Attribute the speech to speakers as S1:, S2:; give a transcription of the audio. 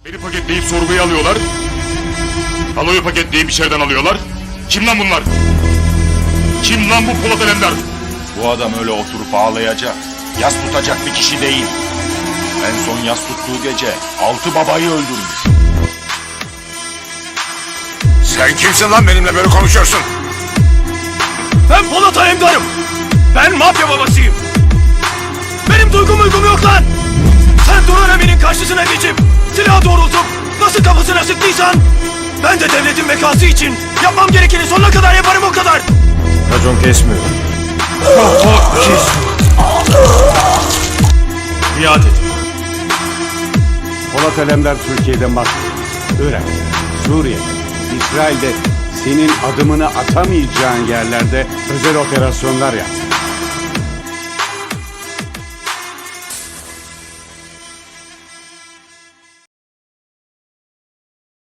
S1: Beni paketleyip sorguya alıyorlar. Aloyu paketleyip içeriden alıyorlar. Kim lan bunlar? Kim lan bu Polat Alemdar?
S2: Bu adam öyle oturup ağlayacak, yas tutacak bir kişi değil. En son yas tuttuğu gece 6 babayı öldürmüş.
S3: Sen kimsin lan benimle böyle konuşuyorsun?
S4: Ben Polat Alemdar'ım. Ben mafya babasıyım. Benim duygum yok lan. Sen Duran Emin'in karşısına geçip silah doğrultup nasıl kafasına sıktıysan ben de devletin bekası için yapmam gerekeni sonuna kadar yaparım, o kadar.
S5: Racon kesmiyor.
S4: Biat et.
S5: Polat Alemdar Türkiye'de mahkum. Irak, Suriye, İsrail'de senin adımını atamayacağın yerlerde özel operasyonlar yaptı.